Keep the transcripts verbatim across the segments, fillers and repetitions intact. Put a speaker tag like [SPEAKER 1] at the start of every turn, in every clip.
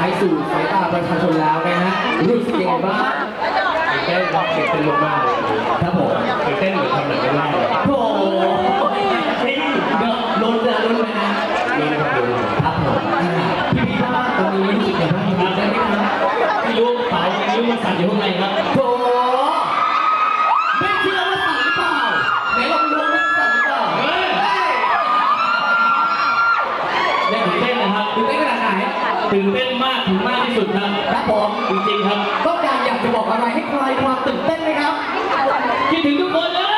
[SPEAKER 1] ายสู่สายตาประชาชนแล้วนะฮะรู้สึกยังไงบ้าง
[SPEAKER 2] ตื่นเต้นครับตื่นเต้นมากๆเลย
[SPEAKER 1] ครับผม
[SPEAKER 2] ตื่นเต้นเหมือนทำหนังไม่ได้เลย
[SPEAKER 1] โอ้โหเดี๋ยวลุ้นนะลุ้นเลยนะ
[SPEAKER 2] นี่นะครับดู
[SPEAKER 1] ครับผมพี่พี่บ้านตอนนี้รู้สึกยังไงบ้างได้ไหมครับ
[SPEAKER 2] ไม่รู้เปล่าไม่รู้มันสั่นอยู่ข้างในครับ
[SPEAKER 1] โถไม่เชื่อว่าสั่นหรือเปล่าไหนลองดูว่าสั่นหรือเปล่าเฮ้ย
[SPEAKER 2] ตื่นเต้นนะครับ
[SPEAKER 1] ตื่นเต้นขนาดไหน
[SPEAKER 2] ตื่นเต้นมากถึงมากที่สุดครับ
[SPEAKER 1] ครับผม
[SPEAKER 2] จริงๆครับ
[SPEAKER 1] ต้องการอยากจะบอกอะไรให้ใครความตื่นเต้นไหมครับ
[SPEAKER 2] คิดถึงทุกคนเลย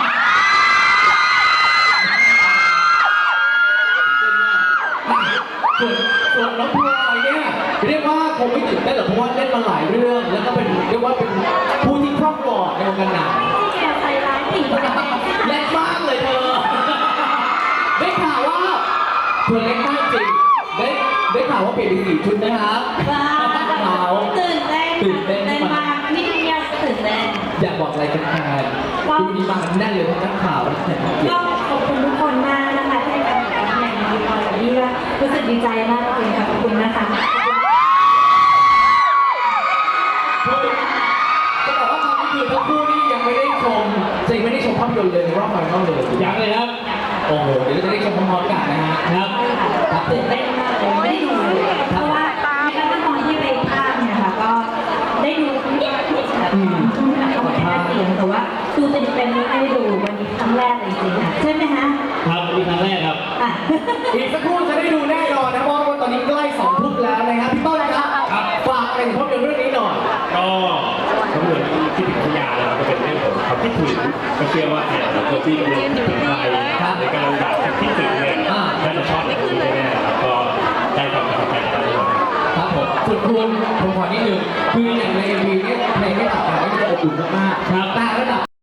[SPEAKER 1] ส่วนส่วนน้องพลอยเนี่ยเรียกว่าคงไม่ตื่นเต้นหรอกเพราะว่าเล่นมาหลายเรื่องแล้วก็เป็นเรียกว่าเป็นผู้ที่ครอบครองในวงการหนัง
[SPEAKER 3] แกใส่ร้ายผีคนนั้น
[SPEAKER 1] เล็กมากเลยเธอได้ข่าวว่าเธอเล็กมากจริงได้ได้ข่าวว่าเปลี่ยนเป็นสี่ชุดนะครับ
[SPEAKER 3] ว้า
[SPEAKER 1] ว
[SPEAKER 3] ตื่นเต้นตื่นเต้นมากนี่ยังตื่นเต้น
[SPEAKER 1] อยากบอกอะไรกันแทนดูดีมากแน่นเลยทั้งนักข่าวและแขกผู้เกียร
[SPEAKER 3] ก็
[SPEAKER 1] ติ
[SPEAKER 3] ขอบคุณทุกคนมากนะคะที่ให้การติดตามอย่างดีพอแบบนี้ก็รู้สึกดีใจมากเลยค่ะขอบคุณนะคะ
[SPEAKER 1] จะบอกว่าตอนนี้คือทั้งคู่นี่ยังไม่ได้ชมจะยังไม่ได้ชมภาพยนตร์เลยในรอบไฟนอลเลย
[SPEAKER 2] ยังเลยครับ
[SPEAKER 1] โอ้โหเดี๋ยวจะได้ชมพร้อมๆกันนะฮะ
[SPEAKER 2] ครับ
[SPEAKER 1] ครับ
[SPEAKER 3] ตื่นเต้นมากเลยไม่ได้ดูเลยเพราะว่าในขั้นตอนที่ไปภาคเนี่ยค่ะก็ได้ดูนิดนิดแบบเขาไม่ได้เสียงแต่ว่าดูเต็มเต็มไม่ได้ดูวันนี้ครั้งแรกเลยจริงๆค่ะใช่ไหมคะ
[SPEAKER 2] ครับนี่ครั้งแรกครับ
[SPEAKER 1] อีกสักครู่จะได้ดูแน่นอนนะเพราะว่าตอนนี้ใกล้สองทุ่มแล้วนะครับพี่ต้นครับฝากอะไรถึงภาพยนตร์เรื่องนี้หน่อย
[SPEAKER 2] ก็ภาพยนตร์ที่ถึงพยานะครับก็เป็นเรื่องของความคิดถึงก็เชื่อว่าแขกหลายคนที่กำลังคิดถึงใครในการอยากคิดถึงเนี่ยน่าจะชอบแบบนี้แน่ๆแล้วก็ได้ความประทับใจแน่นอน
[SPEAKER 1] ครับผมส่วนคุณผมขอนิดนึงคืออย่างในเอ็มวีเนี่ยเพลงไม่ตัดแต่ไม่จะอบอุ่นมากๆแต่ระดับ